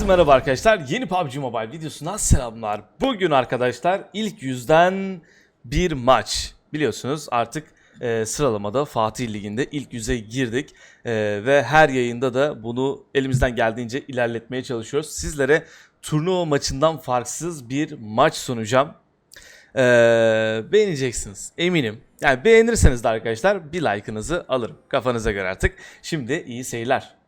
merhaba arkadaşlar. Yeni PUBG Mobile videosuna selamlar. Bugün arkadaşlar ilk yüzden bir maç. Biliyorsunuz artık sıralamada Fatih Ligi'nde ilk yüze girdik. Ve her yayında da bunu elimizden geldiğince ilerletmeye çalışıyoruz. Sizlere turnuva maçından farksız bir maç sunacağım. Beğeneceksiniz eminim. Yani beğenirseniz de arkadaşlar bir like'ınızı alırım. Kafanıza göre artık. Şimdi iyi seyirler.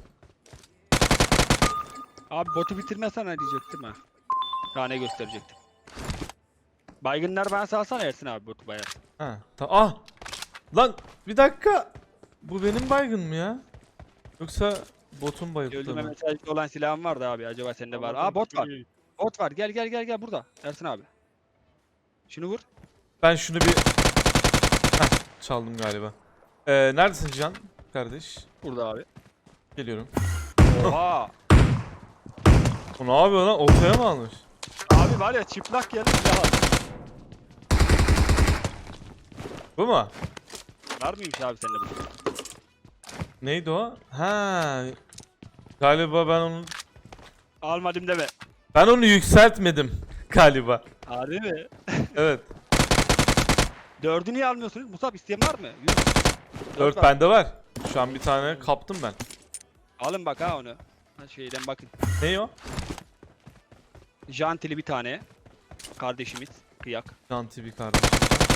Abi botu bitirmesen ne diyecektim ha. Tane gösterecektim. Baygınlar bana salsana Ersin abi botu bayağı. Ha, ah! Lan bir dakika. Bu benim baygın mı ya? Yoksa botun bayılttı Öldürme mı? mesajı olan silahım vardı abi, acaba sende var. Aa bot var. Bot var, gel burada Ersin abi. Şunu vur. Ben şunu bir... Heh, çaldım galiba. Neredesin Can kardeş? Burada abi. Geliyorum. Oha. O ne yapıyor lan? Ortaya mı almış? Abi var ya, çıplak geldi silah aldı. Bu mu? Var mıymış abi sende bu? Neydi o? Ha. Galiba Almadım deme. ben onu yükseltmedim galiba. Harbi mi? Evet. 4'ü niye almıyorsunuz? Musab, isteyen var mı? 4 bende var. Şu an bir tane kaptım ben. Alın bak ha onu. Ha, şeyden bakın. Ne o? Jantili bir tane. Kardeşimiz. Kıyak. Can TV kardeşim.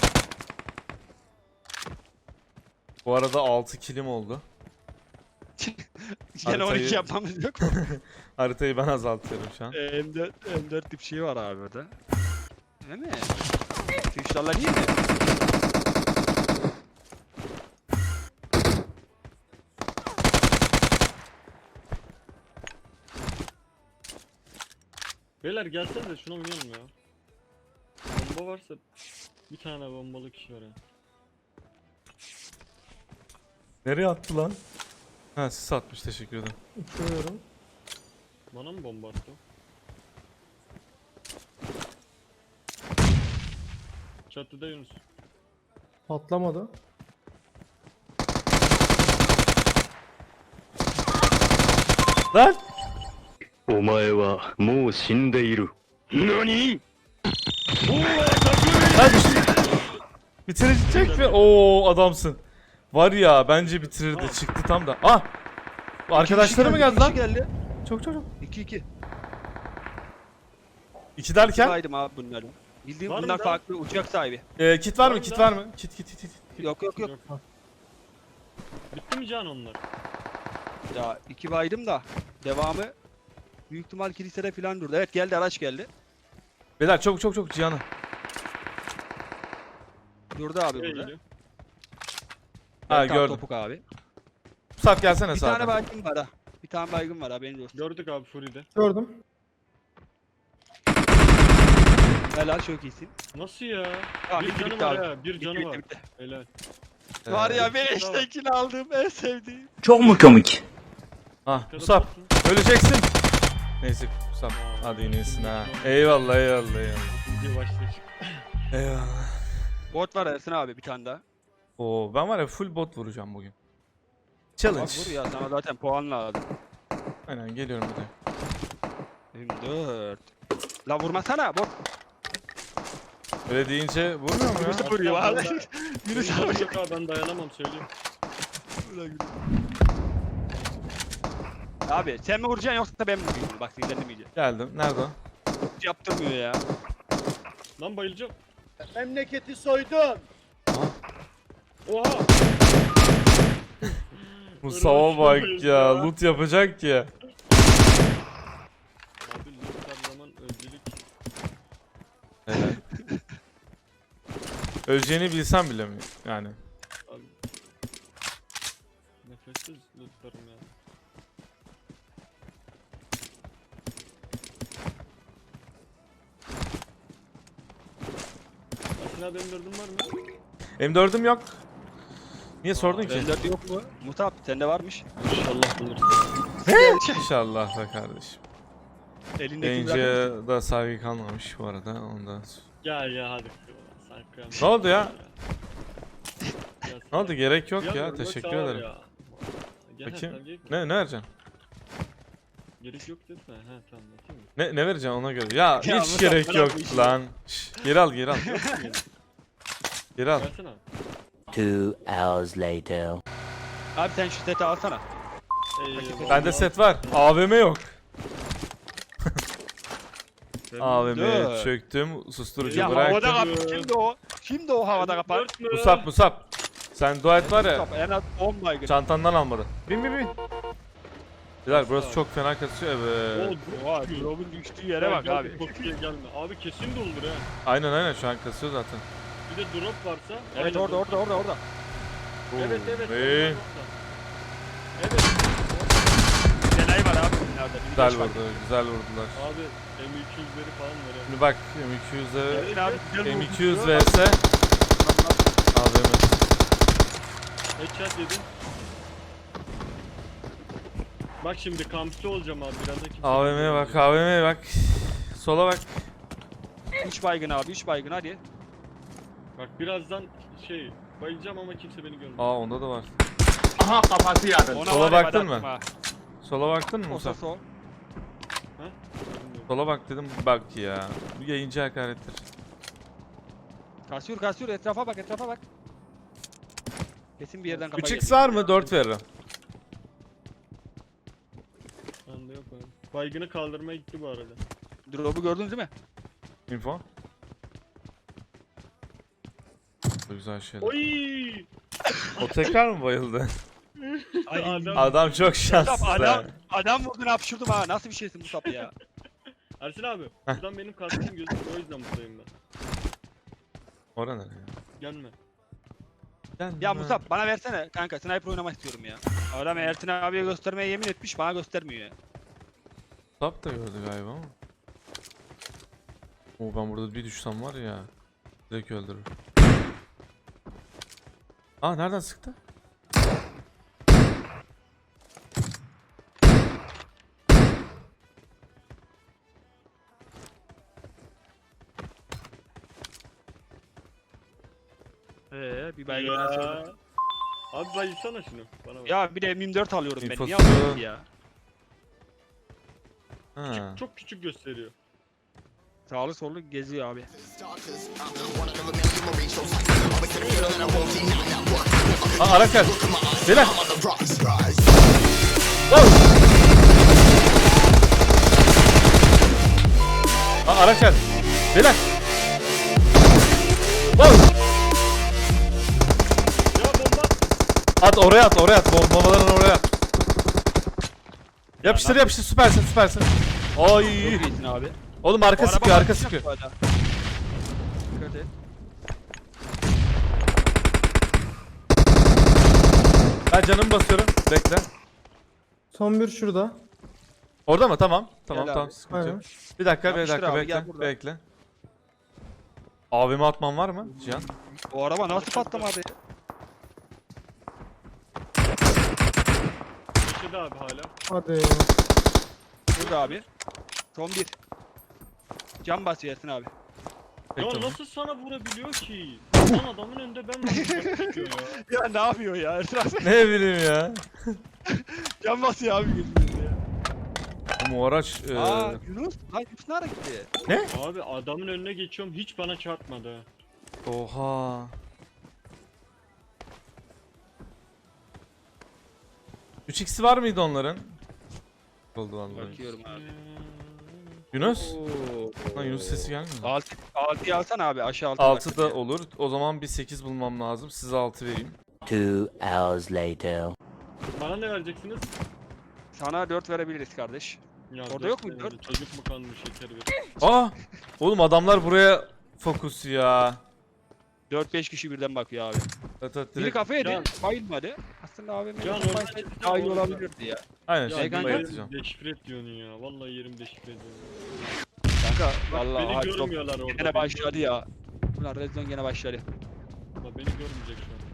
Bu arada 6 kilim oldu. Gene 12 Haritayı- yapmamız yok mu? Haritayı ben azaltıyorum şu an. M4 tip şey var abi orada. Değil mi? Tuşlarla değil mi? Beyler gelsene de şuna oynayalım ya. Bomba varsa bir tane bombalı kişi var ya. Nereye attı lan? Ha sis atmış, teşekkür ederim. Uçuyorum. Bana mı bomba attı? Çatıda Yunus. Patlamadı. Lan! お前はもう死んでいる。何 Lan bitirecek mi? Oo adamsın. Var ya, bence bitirirdi, çıktı tam da. Ah! Bu arkadaşları mı geldi lan? Geldi. Çok çok çok. 2-2. İki derken? Saydım abi bunları. Bildiğim Var mı bunlar daha? farklı uçak sahibi. Kit var mı? Var Kit mı var mı? Kit. Yok. Bitti mi can onlar? Ya 2 baydım da devamı büyük ihtimal kilisede falan durdu. Evet, geldi, araç geldi. Beyler çok Cihan'a. Durdu abi Nereye burada. gidiyor? Ha, Evet, tam gördüm. Topuk abi. Musab gelsene Bir sağdan. tane baygın var ha. Bir tane baygın var haberin olsun. Gördük abi Fury'de. Gördüm. Helal, çok iyisin. Nasıl ya? Tamam, Bir bitti, canı bitti var abi. ya, bir canı var. Bitti. Helal. Var ya, Ee, beleştekini aldığım en sevdiğim. Çok mu komik? Ah Arkada Musab botsun. öleceksin. Neyse Musab hadi yine iyisin ha. Eyvallah. Video başlayacak. Eyvallah. Bot var Ersin abi, bir tane daha. Oo ben var ya full bot vuracağım bugün. Bak Challenge. vur ya, sana zaten puan lazım. Aynen geliyorum bir de. 24. La vurmasana bot. Öyle deyince vurmuyor mu ya? Yunus'u vuruyor abi. Yunus abi. Yok abi, ben dayanamam söyleyeyim. Abi sen mi vuracaksın yoksa ben mi vurayım? Bak sinirlenmeyeceğim. Geldim. Nerede o? Hiç yaptırmıyor ya. Lan bayılacağım. Memleketi soydun. Oha! Mustafa bak ya. Loot yapacak ya. Abi her zaman öncelik. Evet. Öleceğini bilsem bile mi? Yani. Abi. Nefessiz lootlarım ya. Ersin abi M4'ün var mı? M4'üm yok. Niye sordun ki? Bende yok mu? Mutab sende varmış. İnşallah bulursun. İnşallah da kardeşim. Elindeki bırakır. Yayıncıya da saygı kalmamış bu arada ondan. Gel hadi. Sen kıyamam. Ne oldu ya? Gel Ne oldu, gerek yok ya, Relax teşekkür abi ederim. ya. Gel, Bakayım. sen gel. Ne vereceksin? Gerek yok desene. He tamam bakayım. Ne vereceğim ona göre. Ya Ya hiç Musa, gerek bırak yok bu işi. lan. Şş, geri al geri al. Geri al. Versene. 2 hours later. Abi sen şu seti alsana. Bende set var. AVM yok. AVM Dur. çöktüm. Susturucu Ya havada bıraktım. kapı. Şimdi o. Şimdi o havada kapar. Musab. Sen dua et var ya. En az 10 baygın. Çantandan almadı. Bin. Güzel burası çok fena kasıyor evet. Oha drop'un düştüğü yere bak abi. Bakıya gelme. Abi kesin doldur ha. Aynen şu an kasıyor zaten. Bir de drop varsa. Evet aynen orada doldur. orada. Evet. İyi. orada. Evet. Genay var abi bunlarda. Bir Güzel geç bak. vurdu. Güzel vurdular. Abi M200'leri falan var ya. Şimdi bak M200'e Metin abi güzel vurdu. M200 vs AVM. Headshot yedin. Bak şimdi kampçı olacağım abi birazdan kimse. AVM'ye bak AVM'ye bak. Sola bak. 3 baygın abi 3 baygın hadi. Bak birazdan bayılacağım ama kimse beni görmüyor. Aa onda da var. Aha kafası yarın. Ona Sola var ya, baktın ben mı? attım ha. Sola baktın mı Musa? Sol. Sola bak dedim bak ya. Bu yayıncı hakarettir. Kasıyor etrafa bak. Kesin bir yerden kafa 3x var mı? 4 veririm. Bende yok abi. Baygını kaldırmaya gitti bu arada. Drop'u gördünüz değil mi? Info. Bu güzel şeyler. Oy! O tekrar mı bayıldı? Adam. Adam çok şanssız ha. Adam vurdun hapşurdum ha. Nasıl bir şeysin Musab ya? Ersin abi. Buradan benim kaskım gözüküyor o yüzden buradayım ben. Orada nereye? Gelme. Ya Musab bana versene kanka sniper oynamak istiyorum ya. Adam Ertin abiye göstermeye yemin etmiş bana göstermiyor ya. Tap da gördü galiba ama. Oo ben burada bir düşsem var ya. Direkt öldürür. Aa nereden sıktı? Bir baygın nasıl? Ya. Abi bayılsana şunu. Bana bak. Ya bir de M24 alıyorum ben. Niye İnfosu. alıyorsun ya? Ha. Çok küçük gösteriyor. Sağlı sollu geziyor abi. Aa araç gel. Beyler. Aa araç gel. Beyler. Ya bomba! At oraya at. Bombalarını oraya at. Yapıştır süpersin. Çok Ay. iyisin abi. Oğlum arka Bu araba sıkıyor arka bakacak sıkıyor. bu arada. Dikkat et. Ben canımı basıyorum. Bekle. Son bir şurada. Orada mı? Tamam. Tamam Gel tamam abi. sıkıntı yok. Aynen. Bir dakika Yapıştır abi, gel bekle. burada. Bekle. Abime atman var mı Cihan? O araba nasıl patlamadı? Köşede abi hala. Hadi. Burada abi. Son bir. Cam basıyor Ersin abi. Peki, Ya tamam. nasıl sana vurabiliyor ki? Lan adamın önünde ben vuracağım çıkıyor ya. Ya ne yapıyor ya Ersin abi? Ne bileyim ya. Cam basıyor abi gözümüzde ya. Bu araç Aa Yunus. Lan Yunus nereye gitti? Abi adamın önüne geçiyorum hiç bana çarpmadı. ha. Oha. Üç x'i var mıydı onların? Oldu vallahi. Bakıyorum abi. Yunus? Oo. Lan Yunus sesi gelmiyor. 6'yı alsana abi aşağı 6. 6 da olur. O zaman bir 8 bulmam lazım. Size 6 vereyim. 2 hours later. Bana ne vereceksiniz? Sana 4 verebiliriz kardeş. Ya Orada dört yok mu? tane de Çocuk mu kanmış şeker ver. Aa! Oğlum adamlar buraya fokus ya. 4-5 kişi birden bakıyor abi. Evet, Biri direkt. kafaya Can. bayılmadı. Aslında abi Can, benim orada- daha iyi olabilirdi ya. Aynen Ya şimdi kanka. bayatacağım. deşifre et diyorsun ya. Vallahi yerim deşifre ediyorum. Kanka Bak, vallahi beni hadi görmüyorlar orada. gene başladı ya. Ulan Rezon gene başladı. Bak beni görmeyecek şu an.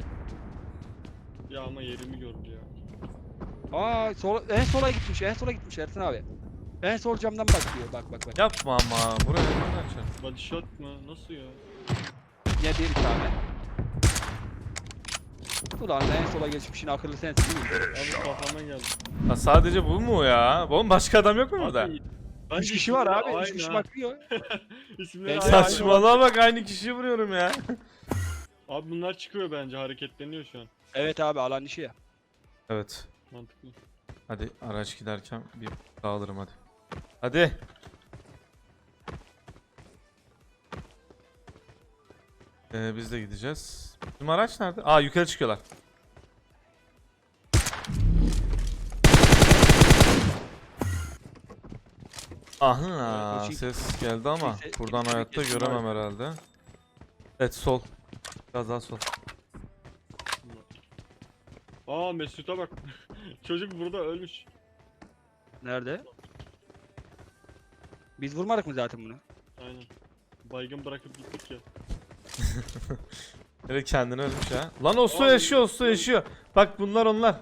Ya ama yerimi gördü ya. Aa en sola gitmiş Ersin abi. En sol camdan bakıyor bak. Yapma ama. Buraya nereden açar? Body shot mı? Nasıl ya? Yine bir tane. Ulan en sola geçmişin akıllı sensin değil mi? Abi kafama geldi. Ha, sadece bu mu ya? Oğlum başka adam yok mu burada? Abi, 3 kişi var abi. 3 Aynı kişi ha. bakıyor. İsimleri Ben- aynı. Saçmalama bak, aynı kişiyi vuruyorum ya. Abi bunlar çıkıyor bence, hareketleniyor şu an. Evet abi alan işi ya. Evet. Mantıklı. Hadi araç giderken bir dağılırım hadi. Hadi. Biz de gideceğiz. Bizim araç nerede? Aa, yukarı çıkıyorlar. Aha, Evet, o ses geldi ama Neyse, buradan kesin hayatta kesin göremem herhalde. Evet, sol. Biraz daha sol. Aa Mesut'a bak. Çocuk burada ölmüş. Nerede? Biz vurmadık mı zaten bunu? Aynen. Baygın bırakıp gittik ya. Evet, kendini ölmüş ha. Lan Osto Abi, yaşıyor, Osto yaşıyor. Bak bunlar onlar.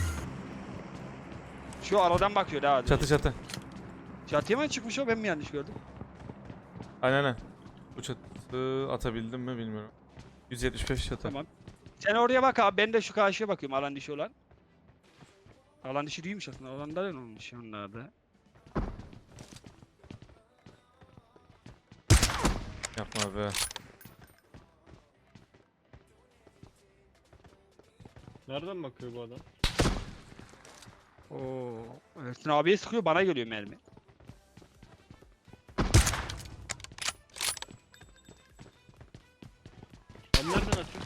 Şu aradan bakıyor daha. Çatı çatı. Çatıya mı çıkmış o, ben mi yanlış gördüm? Aynen. Bu çatı atabildim mi bilmiyorum. 175 çatı. Tamam. Sen oraya bak abi, ben de şu karşıya bakıyorum, alan dışı olan. Alan dışı değilmiş aslında, alanda ne olmuş onlarda? Yapma be. Nereden bakıyor bu adam? Oo. Ersin abiye sıkıyor, bana geliyor mermi. Abi nereden atıyor?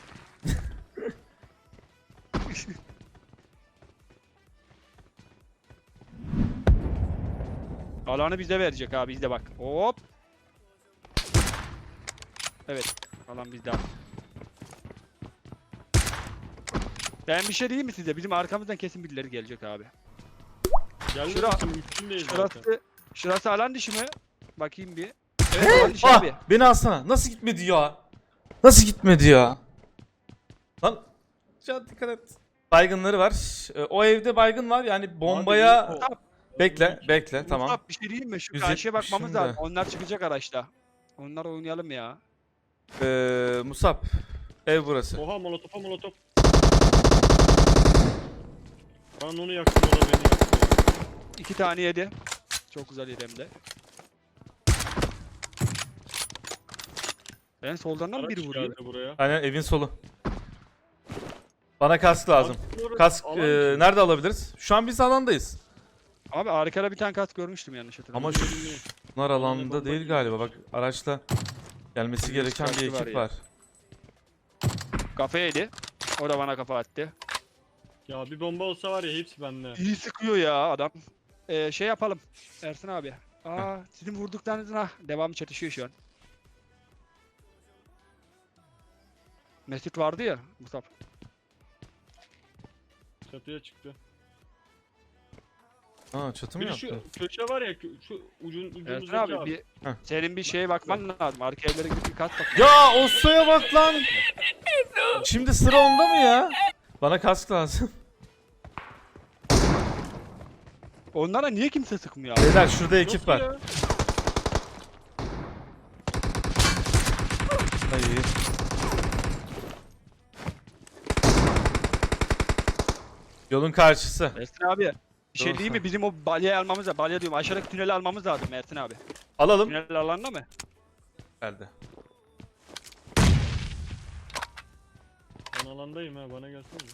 Alanı bize verecek abi, bizde bak. Hop. Evet, alan bizde abi. Ben bir şey diyeyim mi size? Bizim arkamızdan kesin birileri gelecek abi. Geldi Şura- misin? Mümkün değil zaten. Şurası alan dışı mı? Bakayım bir. Evet, alan dışı Ah! abi. Beni alsana. Nasıl gitmedi ya? Nasıl gitmedi ya? Lan. Can dikkat et. Baygınları var. O evde baygın var. Yani bombaya... Abi, Bekle, bekle. Tamam. Mustafa, bir şey diyeyim mi? Şu 170'im karşıya bakmamız de. lazım. Onlar çıkacak araçta. Onlar oynayalım ya. Musab. Ev burası. Oha molotofa molotof. Ben onu yaktım, o da beni yaktı. 2 tane yedi. Çok güzel yedi hem de. Ben soldan da mı Araç biri vuruyor? geldi buraya. Aynen, evin solu. Bana kask lazım. Alan Kask içi. nerede alabiliriz? Şu an biz alandayız. Abi arkada bir tane kask görmüştüm yanlış hatırlamıyorum. Ama bunlar alanda değil galiba. Bak, araçla gelmesi Bir gereken bir sıkıntı var ekip ya. var. Kafa yedi. O da bana kafa attı. Ya bir bomba olsa var ya, hepsi bende. İyi sıkıyor ya adam. Şey yapalım. Ersin abi. Sizin vurduklarınızın devamı çatışıyor şu an. Mesut vardı ya Mustafa. Çatıya çıktı. Aa, çatı mı Bir de şu yaptı? köşe var ya, şu Ersin ucumuzdaki abi, abi. bir Heh. senin bir şeye bakman lazım. Arka evlere gidip bir kat bak. Ya Osto'ya bak lan. Şimdi sıra onda mı ya? Bana kask lazım. Onlara niye kimse sıkmıyor abi? Beyler, şurada ekip Nasıl var. ya? Ay. Yolun karşısı. Ersin abi. Bir şey Doğru değil mi? Bizim o balyayı almamız lazım. Balya diyorum. Aşağıdaki tüneli almamız lazım Ersin abi. Alalım. Tünel alanda mı? Geldi. Ben alandayım ha, bana gelsene.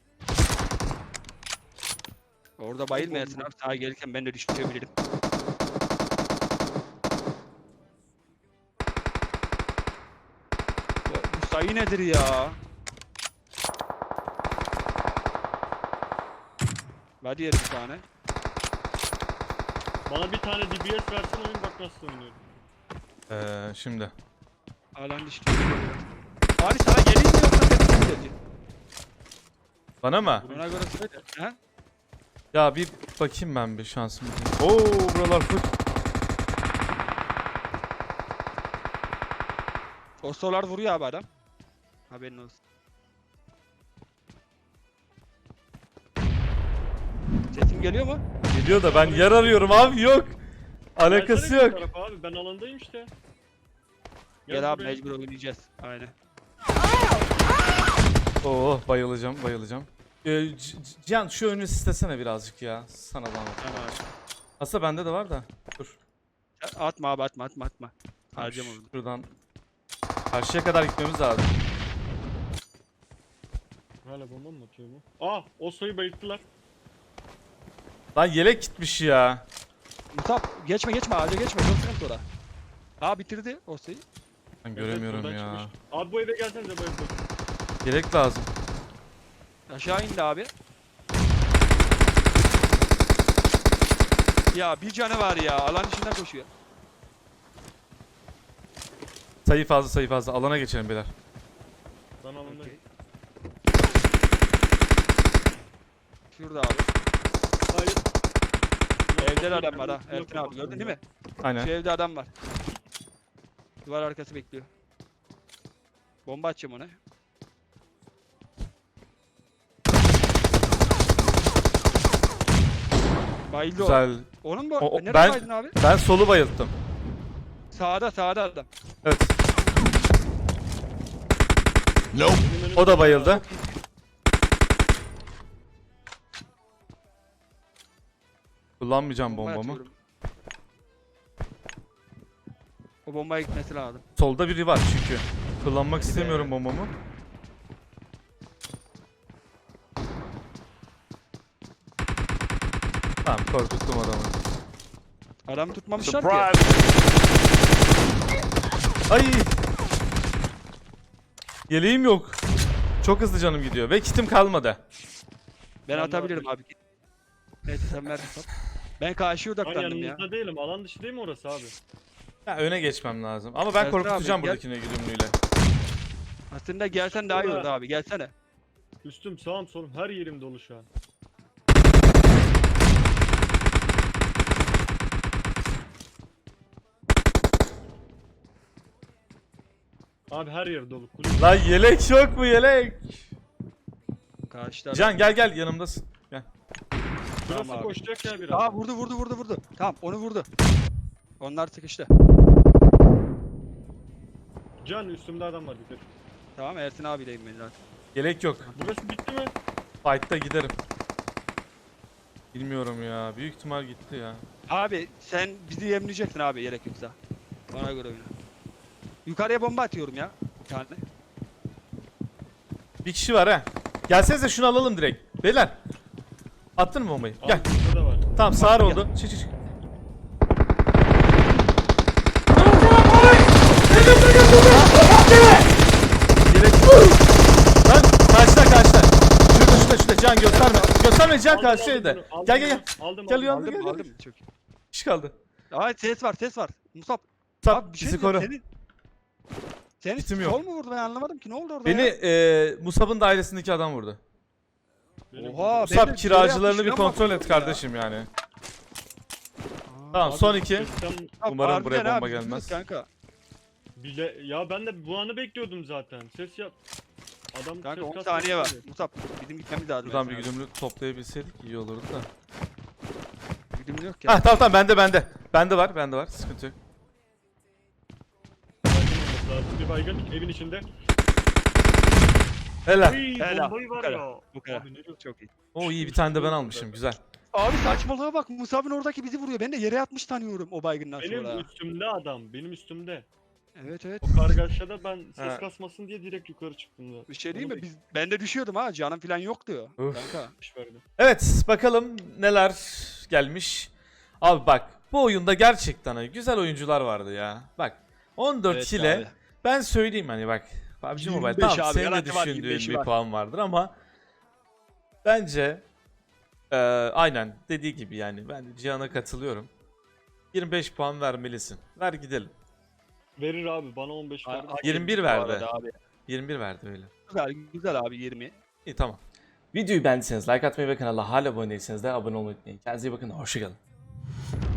Orada bayılma Ersin abi. Sağa gelirken ben de düşebilirim. Bu sayı nedir ya? Hadi yeri bir tane. Bana bir tane DBS versin, oyun bak nasıl oynuyorum. Şimdi. Alan dışı. Abi sana geleyim mi yoksa sen mi geleceksin? Bana mı? Ona göre söyle. Ha? Ya bir bakayım ben bir şansım. Oo, buralar full. O solar vuruyor abi adam. Haberin olsun. Sesim geliyor mu? Geliyor da ben yer arıyorum abi, yok. Alakası Gelsene yok. bir tarafa abi, ben alandayım işte. Gel abi, buraya. mecbur oynayacağız. Aynen. Oo bayılacağım bayılacağım. Cihan şu önünü istesene birazcık ya. Sana zahmet. Tamam. Aslında bende de var da. Dur. Atma abi atma. Harcam onu. Şuradan karşıya kadar gitmemiz lazım. Hala bomba mı atıyor bu? Aa Oslo'yu bayılttılar. Lan yelek gitmiş ya. Musab geçme ağaca geçme. Çok sıkıntı orada. Aa bitirdi o sayı. Ben Evet, göremiyorum buradan ya. çıkmış. Abi bu eve gelsenize bayıltın. Yelek lazım. Aşağı indi abi. Ya bir canı var ya. Alan içinden koşuyor. Sayı fazla. Alana geçelim beyler. Ben alındayım. Şurada abi. Hayır. Evde de adam var ha. Ertin abi gördün değil mi? Şu Aynen. evde adam var. Duvar arkası bekliyor. Bomba atacağım ona. Bayıldı o. Güzel. Onun bu. O- Nereye ben- baydın abi? Ben solu bayılttım. Sağda adam. Evet. Benim önümde- O da bayıldı. Kullanmayacağım Bomba bombamı. atıyorum. O bombaya gitmesi lazım. Solda biri var çünkü. Kullanmak istemiyorum bombamı. Tamam korkuttum adamı. Adam tutmamışlar ki. Ay! Yeleğim yok. Çok hızlı canım gidiyor ve kitim kalmadı. Ben Ben de atabilirim abi. Neyse sen ver. Ben karşıya Ben odaklandım ya. yanınızda değilim. Alan dışı değil mi orası abi? Ya öne geçmem lazım. Ama ben Ersin korkutacağım abi, gel. buradakine güdümlüyle. Aslında gelsen daha iyi olurdu abi. Gelsene. Üstüm sağım solum her yerim dolu şu an. Abi her yer dolu. Kulüp. Lan yelek yok mu yelek? Karşıda. Can gel yanımdasın. Gel. Şurası Tamam abi. koşacak ya biraz. Aa vurdu. Tamam onu vurdu. Onlar sıkıştı. Can üstümde adam var dikkat. Tamam Ersin abiyleyim ben zaten. Yelek yok. Burası bitti mi? Fight'ta giderim. Bilmiyorum ya. Büyük ihtimal gitti ya. Abi sen bizi yemleyeceksin abi gerek yoksa. Bana göre oyna. Yukarıya bomba atıyorum ya. Bir tane. Bir kişi var ha. Gelsenize şunu alalım direkt. Beyler. Attın mı bombayı? Abi Gel. burada da var. Tamam sağır oldu. Çık. Yelek. Lan karşıda. Şurada. Can gösterme. Gösterme Can Aldım, karşı aldım evde. bunu, aldım Gel. bunu, Aldım Gel aldım. uyan. Aldım. Çok iyi. Kişi kaldı. Aa ses var. Musab. Sap Abi bir şey bizi diyeceğim, koru. Senin Kitim yok. sol mu vurdu ben anlamadım ki ne oldu orada Beni ya? Musab'ın dairesindeki adam vurdu. Benim Oha, burada- Musab ben de kiracılarını bir şuraya kontrol et bakıyorum ya. kardeşim yani. Aa, Tamam Abi, son iki. sistem Umarım harbiden buraya bomba abi, gelmez. Kanka. bile ya ben de bu anı bekliyordum zaten. Ses yap. Adam Kanka ses 10 kasması saniye var. yapıyor. Musab bizim gitmemiz lazım. Buradan bir Ersin abi. güdümlü toplayabilseydik iyi olurdu da. Güdümlü yok ya. Hah tamam bende. Bende var. Sıkıntı yok. Baygın olması lazım. Bir baygın evin içinde. Helal. Uy, Helal, bombayı bu var kadar, ya. Bu kadar. Abi ne diyorsun? Çok iyi. Oo iyi bir tane de ben almışım. Güzel. Abi saçmalığa bak. Musab'ın oradaki bizi vuruyor. Ben de yere yatmış tanıyorum o baygından Benim sonra. üstümde adam. Benim üstümde. Evet. O kargaşada ben ses Ha. kasmasın diye direkt yukarı çıktım da. Bir şey değil Onu mi? Ben de düşüyordum ha. Canım falan yok diyor. Öf. Kanka. beklemiş verdi. Evet bakalım neler gelmiş. Abi bak bu oyunda gerçekten güzel oyuncular vardı ya. Bak 14 Evet kile abi. ben söyleyeyim hani bak. PUBG Mobile 25 tamam abi, senin de garanti var, düşündüğün 25'i bir var. puan vardır ama bence aynen dediği gibi yani ben Cihan'a katılıyorum. 25 puan vermelisin. Ver gidelim. Verir abi bana 15 verdi. 21 Bu verdi. arada Abi. 21 verdi öyle. Güzel abi 20. İyi tamam. Videoyu beğendiyseniz like atmayı ve kanala hala abone değilseniz de abone olmayı unutmayın. Kendinize iyi bakın. Hoşçakalın.